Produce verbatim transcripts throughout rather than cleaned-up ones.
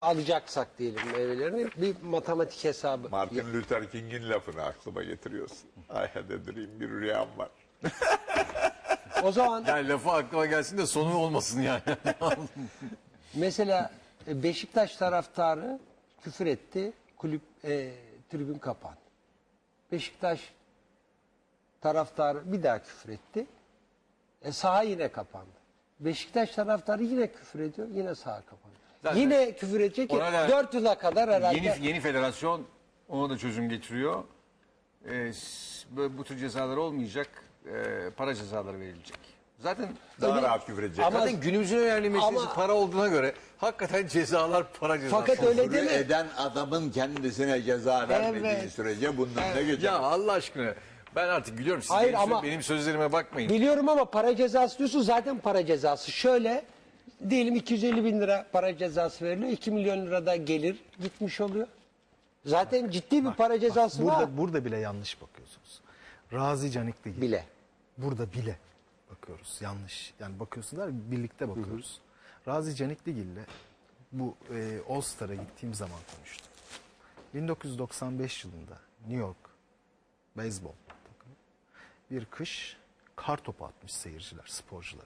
alacaksak diyelim meyvelerini bir matematik hesabı. Martin Luther King'in lafını aklıma getiriyorsun. I had a dream, bir rüyam var. O zaman Yani lafı aklıma gelsin de sonu olmasın yani. mesela Beşiktaş taraftarı küfür etti, kulüp e, tribün kapandı. Beşiktaş taraftarı bir daha küfür etti, e, saha yine kapandı. Beşiktaş taraftarı yine küfür ediyor, yine saha kapandı. Zaten yine küfür edecek ki ona da dört yıla kadar herhalde. Yeni, yeni federasyon ona da çözüm getiriyor. Ee, s- böyle bu tür cezalar olmayacak. Ee, para cezaları verilecek. Zaten Daha Öyle- rahat küfür edecek. Ama- zaten günümüzün önemli meselesi Ama- para olduğuna göre hakikaten cezalar para cezası. Fakat öyle Küfür değil mi? eden adamın kendisine ceza vermediği Evet. sürece bundan ne geçer? Ya Allah aşkına ben artık gülüyorum. Siz Hayır benim, sö- ama- benim sözlerime bakmayın. Biliyorum ama para cezası diyorsun, zaten para cezası. Şöyle diyelim iki yüz elli bin lira para cezası veriliyor. iki milyon lira da gelir gitmiş oluyor. Zaten ciddi bir para cezası Burada var. burada bile yanlış bakıyorsunuz. Razi Canikligil. Bile. Burada bile bakıyoruz. Yanlış. Yani bakıyorsunuz da birlikte bakıyoruz. Razi Canikligil'le bu e, All Star'a gittiğim zaman konuştum. bin dokuz yüz doksan beş yılında New York beyzbol takımı bir kış kar topu atmış seyirciler, sporcuları.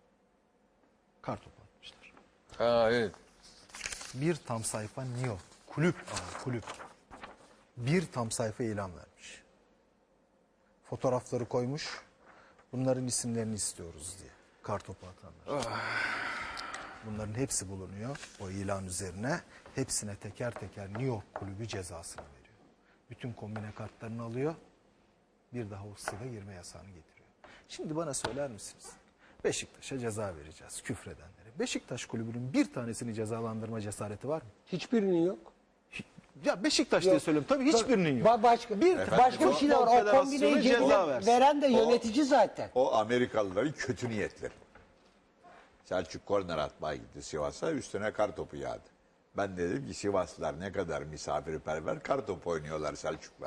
Kar topu atmışlar. Ha, evet. Bir tam sayfa New York. Kulüp ama kulüp. Bir tam sayfa ilan vermiş. Fotoğrafları koymuş. Bunların isimlerini istiyoruz diye. Kartopu atanlar. Bunların hepsi bulunuyor o ilan üzerine. Hepsine teker teker New York kulübü cezasını veriyor. Bütün kombine kartlarını alıyor. Bir daha o stada girme yasağını getiriyor. Şimdi bana söyler misiniz? Beşiktaş'a ceza vereceğiz küfredenlere. Beşiktaş kulübünün bir tanesini cezalandırma cesareti var mı? Hiçbirinin yok. Ya Beşiktaş diye Yok. söylüyorum. Tabii hiçbirinin yok. Ba- başka bir başka bir şey de var. O Konfederasyonu kombineyi ceza ceza versin. veren de yönetici zaten. O Amerikalıların kötü niyetleri. Selçuk korner atmaya gitti Sivas'a, üstüne kar topu yağdı. Ben de dedim ki Sivaslılar ne kadar misafirperver, kar topu oynuyorlar Selçuk'la.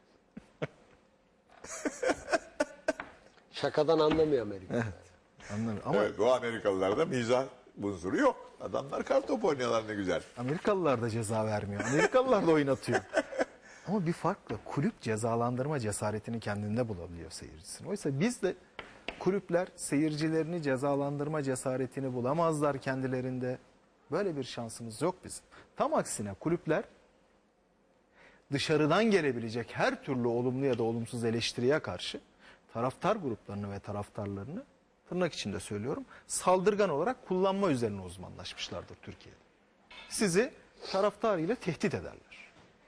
Şakadan anlamıyor Amerika. Anlamıyorum. Ama Evet, o Amerikalılarda mizah unsuru yok. Adamlar kar topu oynuyorlar ne güzel. Amerikalılar da ceza vermiyor. Amerikalılar da oynatıyor. Ama bir farkla kulüp cezalandırma cesaretini kendinde bulabiliyor seyircisini. Oysa biz de kulüpler seyircilerini cezalandırma cesaretini bulamazlar kendilerinde. Böyle bir şansımız yok bizim. Tam aksine kulüpler dışarıdan gelebilecek her türlü olumlu ya da olumsuz eleştiriye karşı taraftar gruplarını ve taraftarlarını tırnak içinde söylüyorum saldırgan olarak kullanma üzerine uzmanlaşmışlardır Türkiye'de. Sizi taraftarıyla tehdit ederler.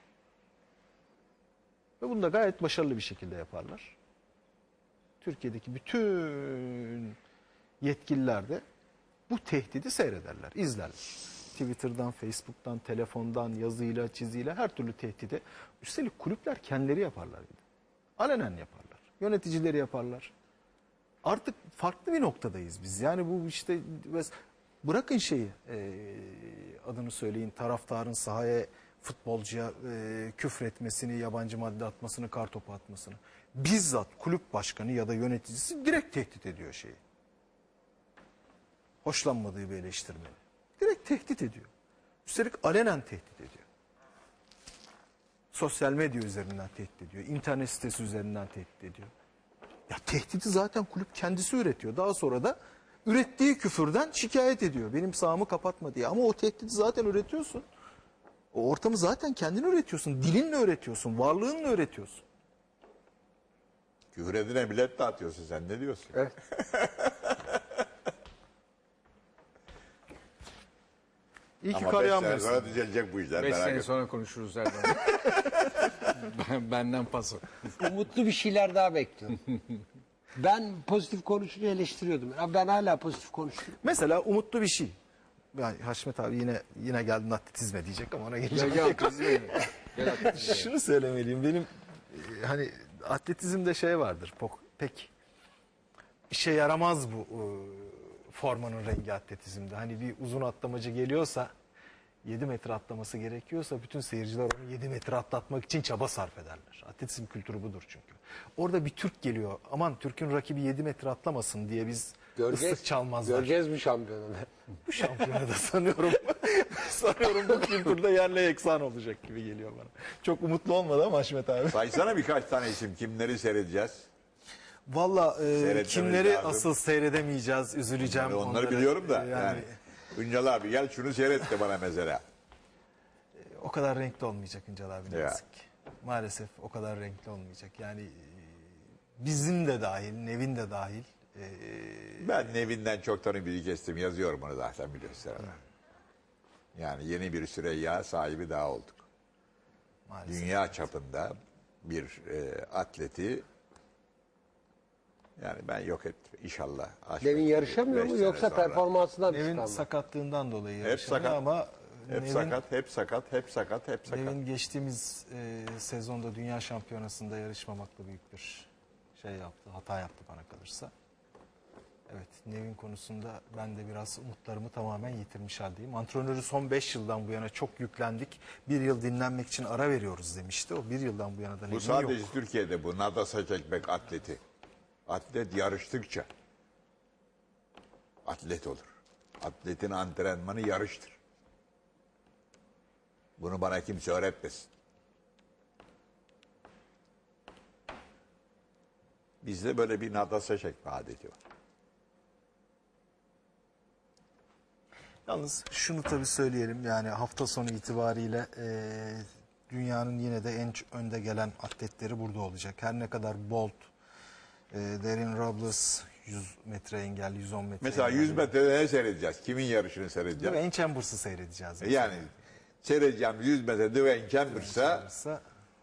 Ve bunu da gayet başarılı bir şekilde yaparlar. Türkiye'deki bütün yetkililer de bu tehdidi seyrederler, izlerler. Twitter'dan, Facebook'tan, telefondan, yazıyla, çiziyle her türlü tehdide. Üstelik kulüpler kendileri yaparlar. Bir de. Alenen yaparlar. Yöneticileri yaparlar. Artık farklı bir noktadayız biz. Yani bu işte bırakın şeyi e, adını söyleyin taraftarın sahaya futbolcuya e, küfretmesini, yabancı madde atmasını, kartopu atmasını. Bizzat kulüp başkanı ya da yöneticisi direkt tehdit ediyor şeyi. Hoşlanmadığı bir eleştirmeni. Direkt tehdit ediyor. Üstelik alenen tehdit ediyor. Sosyal medya üzerinden tehdit ediyor. İnternet sitesi üzerinden tehdit ediyor. Ya tehdidi zaten kulüp kendisi üretiyor. Daha sonra da ürettiği küfürden şikayet ediyor. Benim sahamı kapatma diye. Ama o tehdidi zaten üretiyorsun. O ortamı zaten kendin üretiyorsun. Dilinle üretiyorsun. Varlığınla üretiyorsun. Küfür edine bilet dağıtıyorsun sen, ne diyorsun? Evet. İyi ki Ama kar beş sene yağmıyorsun. sonra düzelecek bu işler. Beş merak sene etme. sonra konuşuruz Erdem. ben, benden paso. Umutlu bir şeyler daha bekliyorum. Ben pozitif konuşunca eleştiriyordum. Ya ben hala pozitif konuşuyorum. Mesela umutlu bir şey. Yani Haşmet abi yine yine geldin atletizme diyecek ama ona geleceğim. Gel gel kız gel. Gel atletizme. Şunu söylemeliyim. Benim e, hani atletizmde şey vardır. Pok, pek işe yaramaz bu e, formanın rengi atletizmde. Hani bir uzun atlamacı geliyorsa yedi metre atlaması gerekiyorsa bütün seyirciler onu yedi metre atlatmak için çaba sarf ederler. Atletizm kültürü budur çünkü. Orada bir Türk geliyor. Aman Türk'ün rakibi yedi metre atlamasın diye biz ıslık çalmazlar. Göreceğiz mi şampiyonunu? Bu şampiyonada sanıyorum sanıyorum bu kültürde yerle yeksan olacak gibi geliyor bana. Çok umutlu olmadı ama Haşmet abi. Saysana birkaç tane isim. Kimleri seyredeceğiz? Valla e, Seyretmemiz kimleri lazım. asıl seyredemeyeceğiz, üzüleceğim. Onları, onları onları. biliyorum da. E, Yani, Üncel abi gel şunu seyret de bana mesela. O kadar renkli olmayacak Üncel abi ne Ya. yazık ki. Maalesef o kadar renkli olmayacak. Yani e, bizim de dahil, Nevin de dahil. e, Ben Nevin'den çoktan ümidi kestim. Yazıyorum onu zaten biliyorsun. Yani yeni bir Süreyya sahibi daha olduk. maalesef. Dünya çapında bir e, atleti yani ben yok ettim inşallah. Aşk Devin ettim. yarışamıyor Beş mu sene yoksa sonra. performansından mı Nevin çıkan mı? sakatlığından dolayı Hep yarışamıyor sakat. ama Hep Nevin, sakat, hep sakat, hep sakat, hep sakat. Nevin geçtiğimiz e, sezonda Dünya Şampiyonası'nda yarışmamakla büyük bir şey yaptı, hata yaptı bana kalırsa. Evet, Nevin konusunda ben de biraz umutlarımı tamamen yitirmiş haldeyim. Antrenörü son beş yıldan bu yana çok yüklendik. Bir yıl dinlenmek için ara veriyoruz demişti. O bir yıldan bu yana da Bu Nevin sadece yok. Türkiye'de bu nadasa çekmek atleti. Atlet yarıştıkça atlet olur. Atletin antrenmanı yarıştır. Bunu bana kimse öğretmesin. Bizde böyle bir nadasa çekme adeti var. Yalnız şunu tabii söyleyelim, yani hafta sonu itibariyle e, dünyanın yine de en ç- önde gelen atletleri burada olacak. Her ne kadar Bolt, e, Darren Robles yüz metre engelli, yüz on metre Mesela engelli. yüz metrede ne seyredeceğiz? Kimin yarışını Değil seyredeceğiz? mi? En Chambers'ı seyredeceğiz. mesela. Yani seyredeceğim yüz metre Dwayne Chambers'a Chambers'a.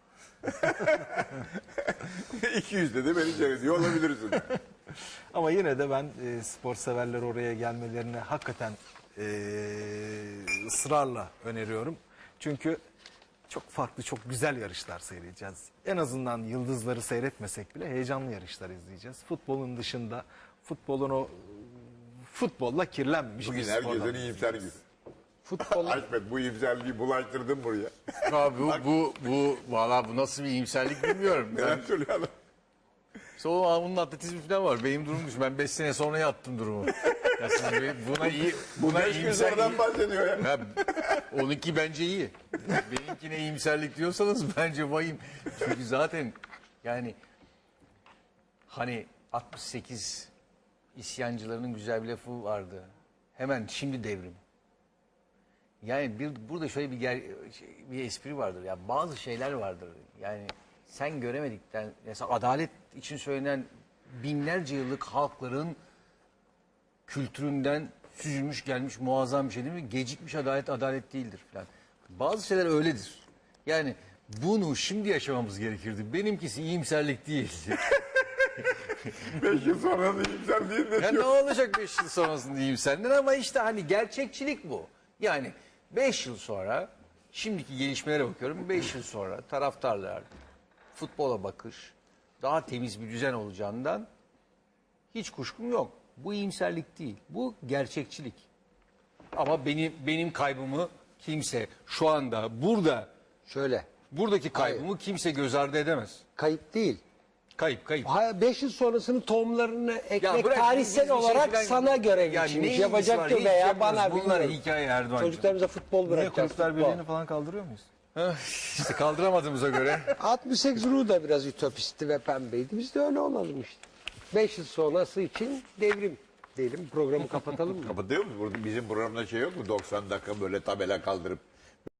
iki yüzde de beni seyrediyor olabilirsin. Ama yine de ben e, spor severler oraya gelmelerini hakikaten e, ısrarla öneriyorum. Çünkü çok farklı, çok güzel yarışlar seyredeceğiz. En azından yıldızları seyretmesek bile heyecanlı yarışlar izleyeceğiz. Futbolun dışında, futbolun o futbolla kirlenmemiş Bugün bir spordan. herkesin iyimser günü. Futbol Ahmet bu iyimserliği bulaştırdın buraya. Abi bu, bu, bu, valla bu nasıl bir iyimserlik bilmiyorum. Neler söylüyorsun? İşte o onun atletizmi falan var. Benim durumum düşün. Ben beş sene sonra yattım durumu. Ya siz buna iyi, buna Beş gün iyimser... sonradan bahsediyor ya. Ya, onunki bence iyi. Benimkine iyimserlik diyorsanız bence vahim. Çünkü zaten yani hani altmış sekiz isyancılarının güzel bir lafı vardı. Hemen şimdi devrim. Yani bir, burada şöyle bir ger, şey, bir espri vardır. Ya bazı şeyler vardır. Yani sen göremedikten mesela adalet için söylenen binlerce yıllık halkların kültüründen süzülmüş gelmiş muazzam bir şey değil mi? Gecikmiş adalet adalet değildir falan. Bazı şeyler öyledir. Yani bunu şimdi yaşamamız gerekirdi. Benimkisi iyimserlik değil. Beş yıl sonra da iyimser değil de Ya ne diyor. olacak beş yıl sonrasında diyeyim senden ama işte hani gerçekçilik bu. Yani beş yıl sonra şimdiki gelişmelere bakıyorum. Beş yıl sonra taraftarlar futbola bakış daha temiz bir düzen olacağından hiç kuşkum yok. Bu iyimserlik değil. Bu gerçekçilik. Ama benim benim kaybımı kimse şu anda burada şöyle buradaki kaybımı kimse göz ardı edemez. kayıp değil. Kayıp kayıp. beş yıl sonrasının tohumlarını ekmek bırak, tarihsel biz bir şey olarak falan- sana göre Ya biçilmiş. ne ilgisi var? Yapacaktır Hiç veya yapmıyoruz. bana Bunlar bilmiyorum. hikaye Erdoğan'cığım. Çocuklarımıza futbol Niye bırakacağız. Kulüpler futbol. Birliği'ni falan kaldırıyor muyuz? İşte kaldıramadığımıza göre. altmış sekiz Ruh da biraz ütopistti ve pembeydi. Biz de öyle olalım işte. beş yıl sonrası için devrim diyelim. Programı kapatalım mı? Kapatıyor musun? Burada bizim programda şey yok mu? doksan dakika böyle tabela kaldırıp